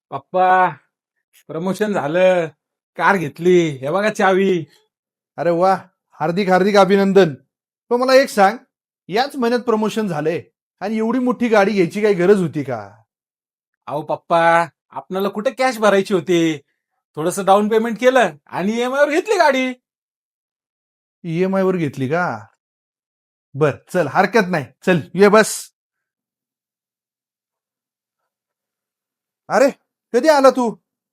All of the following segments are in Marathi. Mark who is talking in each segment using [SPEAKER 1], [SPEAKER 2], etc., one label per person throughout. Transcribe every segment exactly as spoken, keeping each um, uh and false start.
[SPEAKER 1] पप्पा, प्रमोशन झालं. कार घेतली. हे बघा चावी.
[SPEAKER 2] अरे वा, हार्दिक हार्दिक अभिनंदन. पण मला एक सांग, याच महिन्यात प्रमोशन झालंय आणि एवढी मोठी गाडी घ्यायची काही गरज होती का?
[SPEAKER 1] अहो पप्पा, आपल्याला कुठे कॅश भरायची होती. थोडस डाऊन पेमेंट केलं आणि ईएमआय वर घेतली गाडी.
[SPEAKER 2] ईएमआय वर घेतली का? बर, चल हरकत नाही. चल ये बस. अरे, कधी आला तू?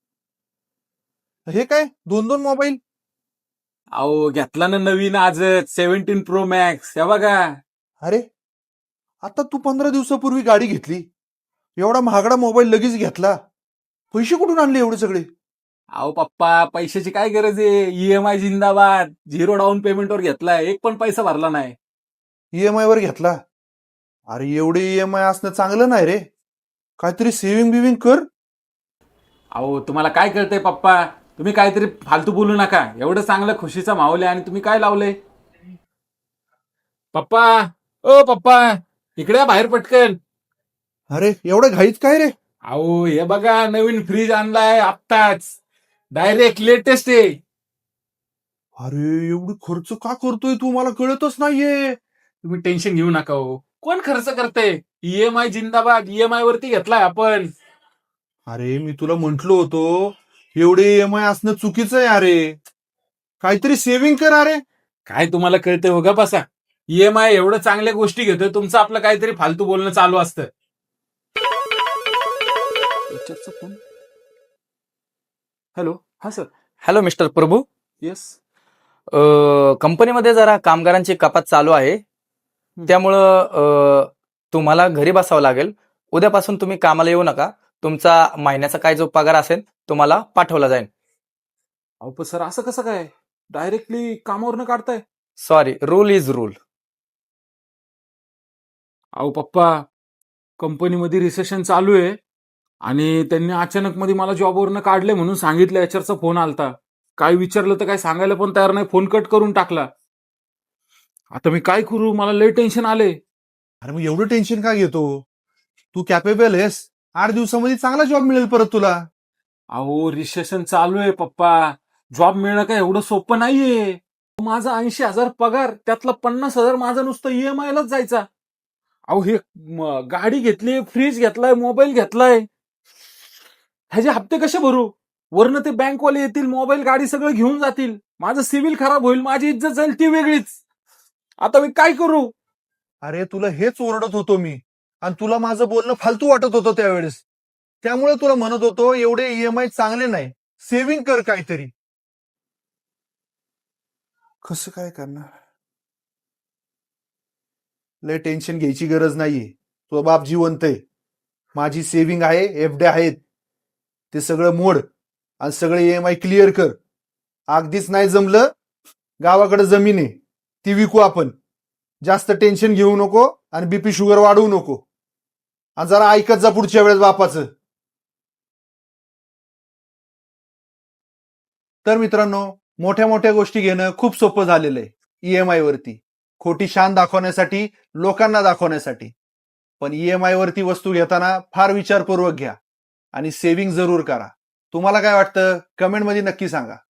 [SPEAKER 2] हे काय दोन दोन मोबाईल?
[SPEAKER 1] अहो घेतला ना नवीन आजच सेव्हन्टीन प्रो मॅक्स. हे बघा.
[SPEAKER 2] अरे, आता तू पंधरा दिवसापूर्वी गाडी घेतली, एवढा महागडा मोबाईल लगेच घेतला. पैसे कुठून आणले एवढे सगळे?
[SPEAKER 1] अहो पप्पा, पैशाची काय गरज आहे. ईएमआय जिंदाबाद. झिरो डाऊन पेमेंटवर घेतलाय. एक पण पैसा भरला नाही.
[SPEAKER 2] ईएमआय वर घेतला? अरे एवढे ईएमआय असणं चांगलं नाही रे. काहीतरी सेव्हिंग बिविंग कर.
[SPEAKER 1] अहो तुम्हाला काय कळतंय पप्पा. तुम्ही काहीतरी फालतू बोलू नका. एवढं चांगलं खुशीचा माहोल आहे आणि तुम्ही काय लावलंय. पप्पा, ओ पप्पा, इकडे या बाहेर पटकन.
[SPEAKER 2] अरे एवढं घाईत काय रे?
[SPEAKER 1] अहो हे बघा, नवीन फ्रीज आणलाय आत्ताच. डायरेक्ट लेटेस्ट आहे.
[SPEAKER 2] अरे एवढी खर्च का करतोय तू? मला कळतच नाहीये.
[SPEAKER 1] तुम्ही टेन्शन घेऊ नका हो. कोण खर्च करते. ईएमआय जिंदाबाद. ईएमआय वरती घेतलाय आपण.
[SPEAKER 2] अरे मी तुला म्हंटलो होतो, एवढे ईएमआय असणं चुकीचं आहे. अरे काहीतरी सेव्हिंग कर. अरे
[SPEAKER 1] काय तुम्हाला कळतंय हो, गा बसा. ईएमआय एवढं चांगल्या गोष्टी घेतोय, तुमचं आपलं काहीतरी फालतू बोलणं चालू असतं. हॅलो, हा sir.
[SPEAKER 3] Hello mister Prabhu.
[SPEAKER 1] Yes.
[SPEAKER 3] अ, कंपनीमध्ये जरा कामगारांची कपात चालू आहे, त्यामुळं अ, तुम्हाला घरी बसावं लागेल. उद्यापासून तुम्ही कामाला येऊ नका. तुमचा महिन्याचा काय जो पगार असेल तुम्हाला पाठवला जाईल.
[SPEAKER 1] अहो पण सर, असं कसं काय डायरेक्टली कामावरनं काढताय.
[SPEAKER 3] Sorry, rule is rule.
[SPEAKER 1] अहो पप्पा, कंपनीमध्ये रिसेशन चालू आहे आणि त्यांनी अचानक मध्ये मला जॉबवरनं काढले म्हणून सांगितलं. एचआरचा फोन आलता. काय विचारलं तर काय सांगायला पण तयार नाही. फोन कट करून टाकला. आता मी काय करू. मला लय टेन्शन आले.
[SPEAKER 2] अरे मग एवढं टेन्शन का घेतो? तू कॅपेबल आहेस. आठ दिवसामध्ये चांगला जॉब मिळेल परत तुला.
[SPEAKER 1] अहो रिसेशन चालू आहे पप्पा. जॉब मिळणं काय एवढं सोपं नाहीये. माझा ऐंशी हजार पगार, त्यातला पन्नास हजार माझा नुसतं ईएमआय लाच जायचा. अहो हे म, गाडी घेतली, फ्रीज घेतलाय, मोबाईल घेतलाय. ह्याचे हप्ते कसे भरू. वरनं ते बँकवाले येतील, मोबाईल गाडी सगळं घेऊन जातील. माझं सिव्हिल खराब होईल, माझी इज्जत जाईल ती वेगळीच. आता मी काय करू.
[SPEAKER 2] अरे तुला हेच ओरडत होतो मी, आणि तुला माझं बोलणं फालतू वाटत होतं त्यावेळेस. त्यामुळे तुला म्हणत होतो एवढे ईएमआय चांगले नाही, सेव्हिंग कर काहीतरी. कसं काय करणार? लय टेन्शन घ्यायची गरज नाहीये. तुझा बाप जिवंत आहे. माझी सेव्हिंग आहे, एफडे आहेत. ते सगळं मोड आणि सगळे ईएमआय क्लिअर कर. अगदीच नाही जमलं, गावाकडे जमीन आहे, ती विकू आपण. जास्त टेन्शन घेऊ नको आणि बीपी शुगर वाढवू नको. आणि जरा ऐकत जा पुढच्या वेळेस बापाचं. तर मित्रांनो, मोठ्या मोठ्या गोष्टी घेणं खूप सोपं झालेलं आहे ईएमआय वरती. खोटी शान दाखवण्यासाठी, लोकांना दाखवण्यासाठी. पण ईएमआय वरती वस्तू घेताना फार विचारपूर्वक घ्या आणि सेव्हिंग जरूर करा. तुम्हाला काय वाटतं कमेंटमध्ये नक्की सांगा.